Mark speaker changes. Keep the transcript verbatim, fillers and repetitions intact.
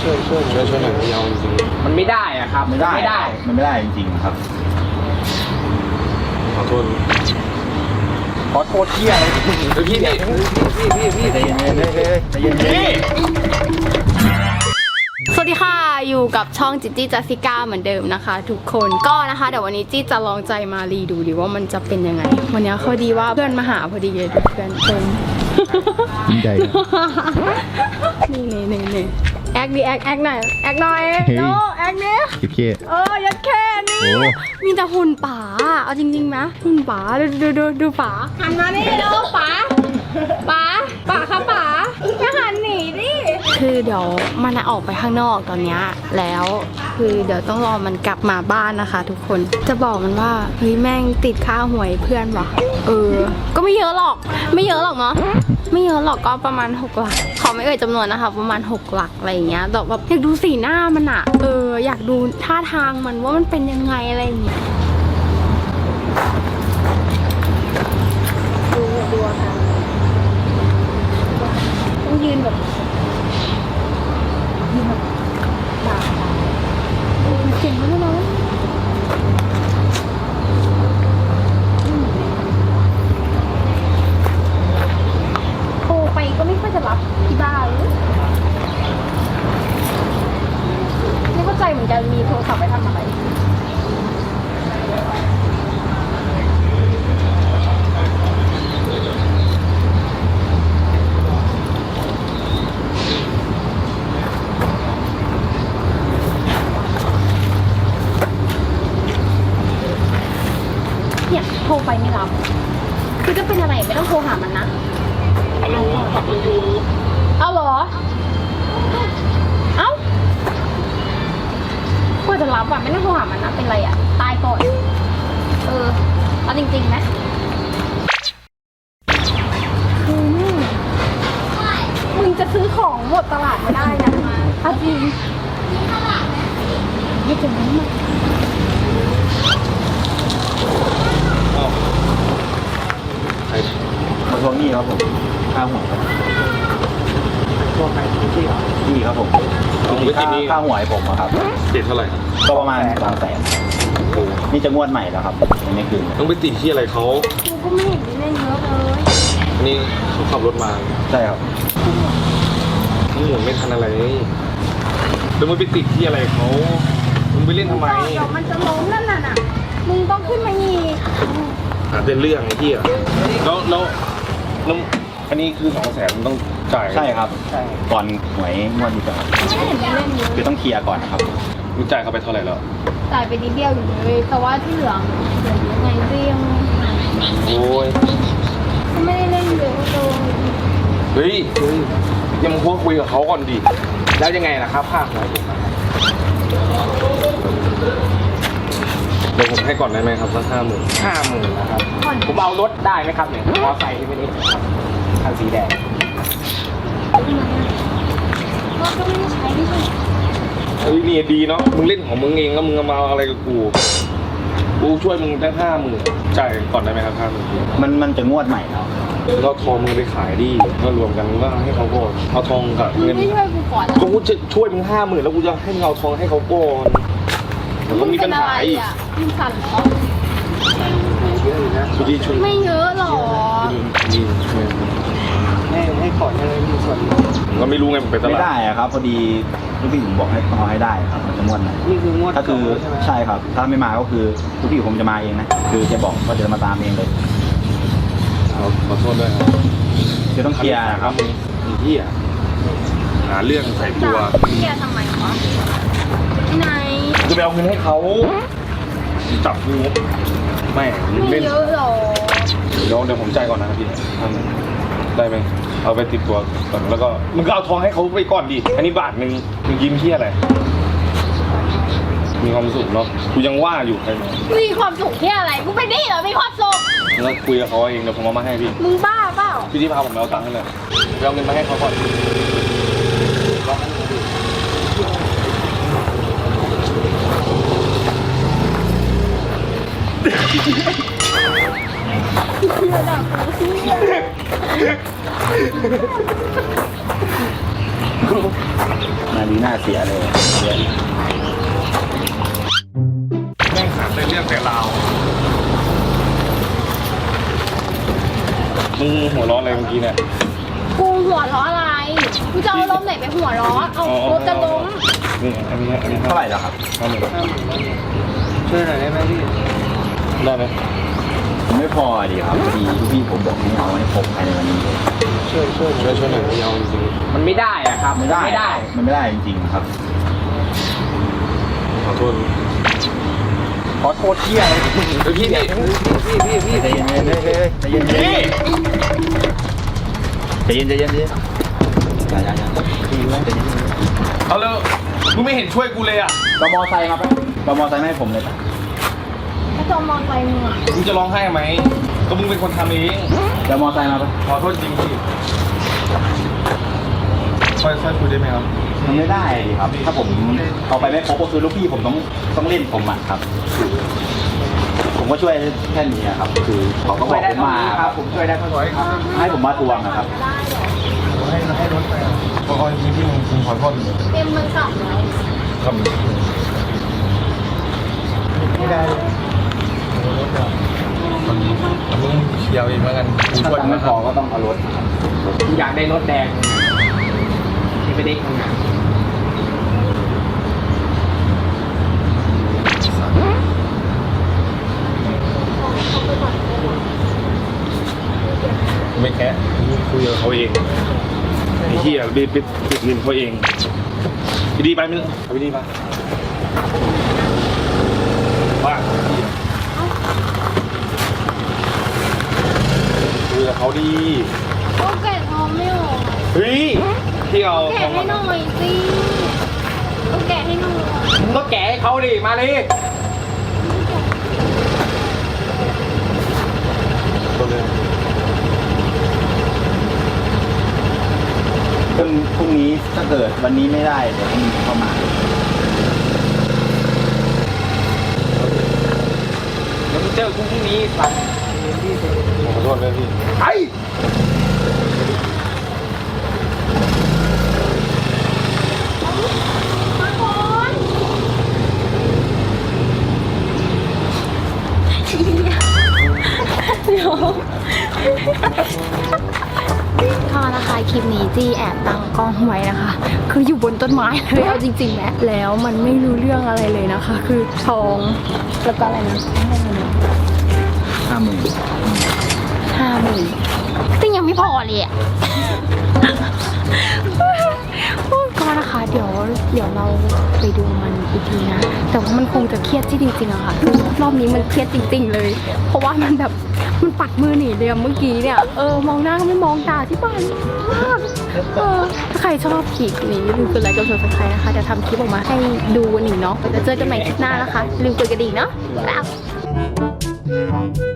Speaker 1: ช่วยช่วยช่วยช่วยหน่อยพี่เอาจริงๆ
Speaker 2: มันไม่ได้อะครับ
Speaker 3: ไม่ได้
Speaker 2: ไม่ได้
Speaker 3: มันไม่ได้จริงๆครับ
Speaker 1: ขอโทษ
Speaker 2: ขอโทษเที่ยอะไรพี่พี่พี่พี่พี่
Speaker 3: ใจเย็นๆใจเย็นๆใจเย็น
Speaker 4: สวัสดีค่ะอยู่กับช่องจิจี้จัสสิก้าเหมือนเดิมนะคะ ทุกคนก็นะคะเดี๋ยววันนี้จี้จะลองใจมารีดูดิว่ามันจะเป็นยังไงวันนี้เขาดีว่าเพื่อนมาหาพอดีเลยเพื่อนเต็ม
Speaker 3: ยิ่งใหญ่
Speaker 4: นี่นี่นี่นี่แอคดิแอคแอคหน่อยแอคหน่อยโนแอคเนี่ย
Speaker 3: คิดเค
Speaker 4: เออยัดแค่นี้มีแต่หุ่นป๋าเอาจริงๆนะหุ่นป๋าดูดูดูดูป๋าหันมานี่เร็วป๋าป๋าป๋าครับป๋าอย่าหันหนีดิคือเดี๋ยวมันออกไปข้างนอกตอนเนี้ยแล้วคือเดี๋ยวต้องรอมันกลับมาบ้านนะคะ ทุกคนจะบอกมันว่าเฮ้ยแม่งติดค่าหวยเพื่อนว่ะเออก็ไม่เยอะหรอกไม่เยอะหรอกเนาะไม่เยอะหรอกก็ประมาณหกหลักขอไม่เอ่ยจำนวนนะคะประมาณหกหลักอะไรอย่างเงี้ยแต่แบบอยากดูสีหน้ามันอะเอออยากดูท่าทางมันว่ามันเป็นยังไงอะไรอย่างเงี้ยดูดูค่ะต้องยืนแบบยืนแบบด่าเก่งมากเลยโทรไปก็ไม่ค่อยจะรับที่บ้านเลยไม่เข้าใจเหมือนกันมีโทรศัพท์ไปทำอะไรเนี่ยโทรไปไม่รับคือจะเป็นอะไรไม่ต้องโทรหามันนะเอาเหรอเอ้ากว่าจะรับอ่ะไม่ต้องโทรหามันนะเป็นไรอ่ะตายก่อนเออเอาจริงๆนะอืมมึงจะซื้อของหมดตลาดไม่ได้นะเอาจริงไม่เจ๋งมาก
Speaker 1: ใคร
Speaker 3: มาทวงหนี้ครับผมค่าหัวครับ
Speaker 2: ตัวใครพี่เหรอ
Speaker 3: หนี้ครับผมค่าค่าหัวให้ผมอะครับ
Speaker 1: ติดเท่าไหร่ครับ
Speaker 3: ก็ประมาณสามแสนนี่จะงวดใหม่แล้วครับยังไม่คืน
Speaker 1: ต้องไปติดที่อะไรเขา
Speaker 4: กูก็ไม่เห็นมีเล่นเยอะเลย
Speaker 1: นี่เขาขับรถมา
Speaker 3: ใช่ครับ
Speaker 1: ทั้งหมดไม่ทันอะไรแล้วมึงไปติดที่อะไรเขามึงไปเล่นทำไม
Speaker 4: เดี๋ยวมันจะล้มนั่นน่ะน่ะมึงต้องขึ้นมาอีก
Speaker 1: หาเป็นเรื่องไอ้ที่อ่ะแล้วแล้วแล้วอันนี้คือสองแสนมึงต้องจ่าย
Speaker 3: ใช่ครับก่อนหวยงวดนี้ก่อนครับ
Speaker 4: ไม่เห็นมีเล่นเยอะ
Speaker 3: คือต้องเคลียร์ก่อนนะครับ
Speaker 1: มึงจ่ายเขาไปเท่าไหร่แล้ว
Speaker 4: จ่ายไปนิดเดียวอยู่เลยแต่ว่าที่เหลือเหลือยังไงก็ยัง
Speaker 1: โอ้ย
Speaker 4: ไม่ได้เล่นเยอะเลย
Speaker 1: เฮ้ยเฮ้ยยังพวกคุยกับเขาก่อนดิแล้วยังไงล่ะครับภาคไหนเดี๋ยวผมให้ก่อนได้ไหมครับสักห้าหมื่น
Speaker 2: ห้าหมื่นนะครับผมเอารถได้ไหมครับเนี่ยมอไซค์ที่ไม่ได้ครับคันสีแดง
Speaker 4: ก็ก็ไม่ได้ใช้ไม่ใช่
Speaker 1: เฮ้ยนี่ดีเนาะมึงเล่นของมึงเองแล้วมึงมาอะไรกับกูกูช่วยมึงได้ห้าหมื่นจ่ายก่อนได้ไหมครับห้าหมื่น
Speaker 3: มันมันจะงวดใหม่แล้ว
Speaker 1: เราทองมึงไปขายดิก็รวมกันก็ให้เขาก่อนเอาทองกับ
Speaker 4: มึง
Speaker 1: เงิน
Speaker 4: ไม่ช่วยกูก่อน
Speaker 1: ก็กูจะช่วยมึงห้าหมื่นแล้วกูจะให้มึงเอาทองให้เขาก่อนแล้วก็มีปัญหาอีก
Speaker 4: มึงสั่นเหรอ
Speaker 1: สุดีช่วย
Speaker 4: ไม่เยอะหรอ
Speaker 1: ดี
Speaker 2: ให้ให้ก่อนเลยมีส่วน
Speaker 1: ก็ไม่รู้ไงมันไปต
Speaker 3: ไม่
Speaker 1: ลาด
Speaker 3: ได้อะครับพอดีลูกพี่ผมบอกให้ต้องเอาให้ได้ครับมันจะงวดใหม่
Speaker 2: นี่คืองวด
Speaker 3: ถ้าคือ
Speaker 2: ใช่ไหม
Speaker 3: ใช่ครับ ถ้าไม่มาก็คือลูกพี่ผมจะมาเองนะคือจะบอกว่าจะมาตามเองเลย
Speaker 1: ขอขอโทษด้วยครับ
Speaker 3: จะต้องเคลียร์นะครับ
Speaker 1: มีที่อ่ะหาเรื่องใส่ตัว
Speaker 4: เฮียทำไมวะไหน
Speaker 1: จะไปเอาเงินให้เขาจับกูแม่ง
Speaker 4: ไม่
Speaker 1: เล่น
Speaker 4: เยอะหรอ
Speaker 1: เดี๋ยวเดี๋ยวผมจ่ายก่อนนะครับพี่ทำได้ไหมเอาไปติดตัวก่อนแล้วก็มึงก็เอาทองให้เขาไปก่อนดิอันนี้บาทหนึ่งมึงยิ้มที่อะไรมีความสุขเนาะกูยังว่าอยู่ใครมา
Speaker 4: มีความสุขที่อะไรกูไปนี่เหรอมีความสุข
Speaker 1: แล้วคุยกับเขาเองเดี๋ยวผมเอามาให้พี่
Speaker 4: มึงบ้าเปล่า
Speaker 1: พี่ที่พาผมไปเอาตังค์ให้เลยไปเอาเงินมาให้เขาก่อน
Speaker 3: นาดีน่าาเสียเลยเสีย
Speaker 1: แม่งหาแต่เรื่องแต่ราวมึงหัวร้อนอะไรเมื่อกี้เนี่ย
Speaker 4: กูหัวเราะอะไรกูจะเอาลมไหนไปหัวเราะเอารถจะล้ม
Speaker 1: นี่อันนี้อันนี้
Speaker 3: เท่าไหร่แล้วครับ
Speaker 1: ห้าหมื่น
Speaker 2: ช่วยหน่อยได้ไหมพี่
Speaker 1: ได้ไหม
Speaker 3: ไม่พอดีครับพอดีลูกพี่ผมบอกให้เอาให้ครบภายในวันนี้เลย
Speaker 2: ช่วยช่วย
Speaker 1: ช่วยช่วยหน่อยยาวจริง
Speaker 2: มันไม่ได้อะครับ
Speaker 3: ไม่ได้
Speaker 2: ไม่ได้
Speaker 3: มันไม่ได้จริงๆครับ
Speaker 1: ขอโทษ
Speaker 2: ขอโทษเที่ยเลยพี่พี่พี่พี่พี่
Speaker 3: ใจเย็นๆใจเย็นๆใจเย็นๆใจเย็นๆใจเย็นๆใจเย็นๆอย่าอย่าอย่าใจเย็น
Speaker 1: เอาแล้วมึงไม่เห็นช่วยกูเลยอ่ะ
Speaker 3: ๆเรามอไซค์มาปะเรามอไซค์มาให้ผมเลยปะ
Speaker 4: กระจมมองไปมึงอ่ะ
Speaker 1: มึงจะร้องไห้ไหมก็มึงเป็นคนทำเอง
Speaker 3: เรามอไซค์มาปะ
Speaker 1: ขอโทษจริงพี่ค่อยค่อยคุยได้ไหมครับ
Speaker 3: มันไม่ได้ดิครับ ถ้าผมเอาไปไม่ครบก็คือลูกพี่ผมต้องต้องเล่นผมอ่ะครับ ผมก็ช่วยแค่นี้อะครับ คือเขาก็บ
Speaker 2: ช่ว
Speaker 3: อย ก
Speaker 2: ได้
Speaker 3: ผม
Speaker 2: เท่า
Speaker 3: มา
Speaker 2: นี้ครับผมช่วยได้เท่านี้ครับ
Speaker 3: ให้ผมมาทวงนะครับ
Speaker 4: ได้เหรอ
Speaker 1: ให้ให้รถไปขอจริงพี่มึงมึงขอโทษ
Speaker 4: เต็มมันสับแล้ว
Speaker 1: ครับไม่ได้มึงเชียวเองแล้วกันกู
Speaker 3: ถ้า
Speaker 1: ช่วย
Speaker 3: ตังค์
Speaker 1: มึ
Speaker 3: ไม่
Speaker 1: ง
Speaker 3: พอก็ต้องเอารถครับ
Speaker 2: อยากได้รถแดงที่ไม่ได้ทำงาน
Speaker 1: ไม่แค่คุยกับเขาเองไอ้เหี้ยไปไปติดเงินเขาเองไปดีไปมึงไปดีไปว่าคุยกับเขาดี
Speaker 4: ก็แกะทองไม่ออก
Speaker 1: เฮ้ยที่เอา
Speaker 4: แกะให้หน่อยสิก็แกะให้หน่อย
Speaker 2: มึงก็แกะให้เขาดิมาเลย
Speaker 1: ตัวเลย
Speaker 3: พรุ่งพรุ่งนี้ถ้าเกิดวันนี้ไม่ได้เดี๋ยวพรุ่งนี้เข้ามา
Speaker 2: เดี๋ยวมึงเจอกูพรุ่งนี้สัตว์
Speaker 1: ขอโทษเลยพี่
Speaker 2: ไอ้
Speaker 4: มาก่อนเดี๋ยวถ้านะคะคลิปนี้จี้แอบตั้งกล้องไว้นะคะ คืออยู่บนต้นไม้เลยเอาจริงๆแหละแล้วมันไม่รู้เรื่องอะไรเลยนะคะ คือทองแล้วก็อะไรนะ
Speaker 3: ห้าหมื่น
Speaker 4: ห้าหมื่นซึ่งยังไม่พอเลยอ่ะ ก็นะคะเดี๋ยวเดี๋ยวเราไปดูมันอีกทีนะ แต่ว่ามันคงจะเครียดที่จริงๆอะค่ะคือรอบนี้มันเครียดจริง ๆ เลย เพราะว่ามันแบบมันปัดมือหนีเลยอะเมื่อกี้เนี่ยเออมองหน้าก็ไม่มองตาที่บ้านมากเออถ้าใครชอบคลิปนี้อย่าลืมกดไลค์กดซับสไครต์นะคะเดี๋ยวทำคลิปออกมาให้ดูกันอีกเนาะแล้วเจอกันใหม่คลิปหน้านะคะอย่าลืมกดกระดิ่งเนาะบ๊ายบาย